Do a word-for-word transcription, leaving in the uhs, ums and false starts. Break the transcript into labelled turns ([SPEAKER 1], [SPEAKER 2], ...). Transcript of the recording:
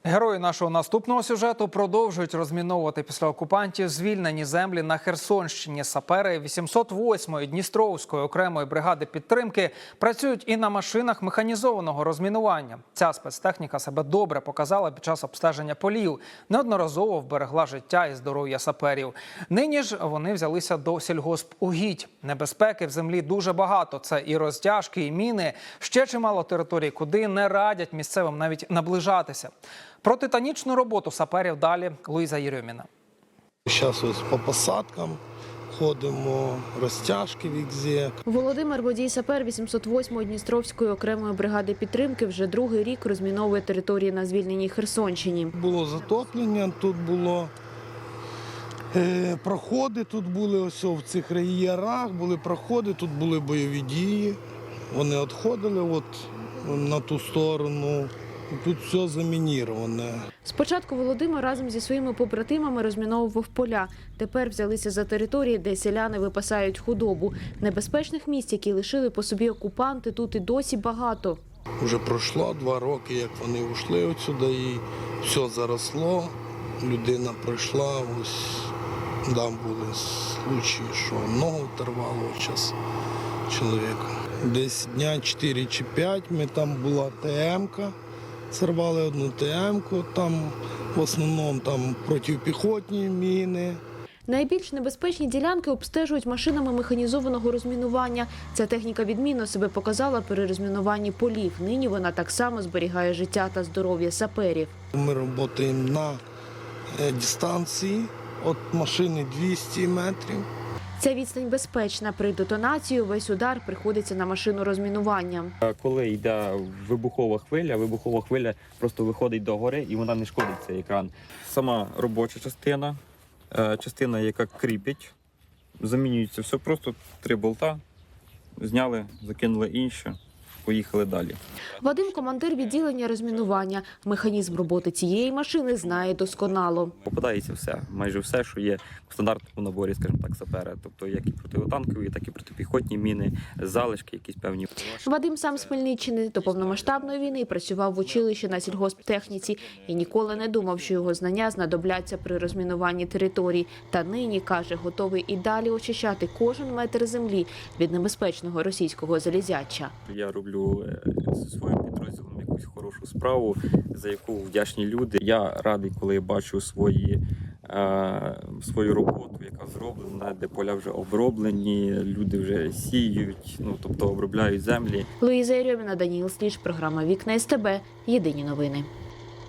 [SPEAKER 1] Герої нашого наступного сюжету продовжують розміновувати після окупантів звільнені землі на Херсонщині. Сапери вісімсот восьмої Дністровської окремої бригади підтримки працюють і на машинах механізованого розмінування. Ця спецтехніка себе добре показала під час обстеження полів. Неодноразово вберегла життя і здоров'я саперів. Нині ж вони взялися до сільгоспугідь. Небезпеки в землі дуже багато. Це і розтяжки, і міни. Ще чимало територій, куди не радять місцевим навіть наближатися. Про титанічну роботу саперів далі Луїза Єрьоміна.
[SPEAKER 2] Зараз ось по посадкам ходимо, розтяжки везде.
[SPEAKER 3] Володимир Водій сапер вісімсот восьмої Дністровської окремої бригади підтримки вже другий рік розміновує території на звільненій Херсонщині.
[SPEAKER 2] Було затоплення, тут було е, проходи, тут були ось в цих ярах, були проходи, тут були бойові дії. Вони відходили от на ту сторону. Тут все замініроване.
[SPEAKER 3] Спочатку Володимир разом зі своїми побратимами розміновував поля. Тепер взялися за території, де селяни випасають худобу. Небезпечних місць, які лишили по собі окупанти, тут і досі багато.
[SPEAKER 2] Вже пройшло два роки, як вони ушли отсюди, і все заросло. Людина пройшла, ось там були случаї, що ногу оторвало зараз чоловіка. Десь дня чотири чи п'ять ми там була ТМ-ка. Сорвали одну ТМ-ку, там в основному там протипіхотні міни.
[SPEAKER 3] Найбільш небезпечні ділянки обстежують машинами механізованого розмінування. Ця техніка відмінно себе показала при розмінуванні полів. Нині вона так само зберігає життя та здоров'я саперів.
[SPEAKER 2] Ми працюємо на дистанції від машини двісті метрів.
[SPEAKER 3] Ця відстань безпечна. При детонації весь удар приходиться на машину розмінування.
[SPEAKER 4] Коли йде вибухова хвиля, вибухова хвиля просто виходить до гори і вона не шкодить цей екран. Сама робоча частина, частина, яка кріпить, замінюється все, просто три болта, зняли, закинули інше, поїхали далі.
[SPEAKER 3] Вадим – командир відділення розмінування. Механізм роботи цієї машини знає досконало.
[SPEAKER 4] Попадається все, майже все, що є в стандартному наборі, скажімо так, сапера. Тобто як і протитанкові, так і протипіхотні міни, залишки якісь певні.
[SPEAKER 3] Вадим сам з Хмельниччини. До повномасштабної війни працював в училищі на сільгосптехніці і ніколи не думав, що його знання знадобляться при розмінуванні територій. Та нині, каже, готовий і далі очищати кожен метр землі від небезпечного російського залізяча.
[SPEAKER 4] Я роблю зі своїм підрозділом якусь хорошу справу, за яку вдячні люди. Я радий, коли я бачу свої, е, свою роботу, яка зроблена, де поля вже оброблені, люди вже сіють, ну, тобто обробляють землі.
[SPEAKER 3] Луїза Єрьоміна, Даніїл Сліж, програма «Вікна СТБ». Єдині новини.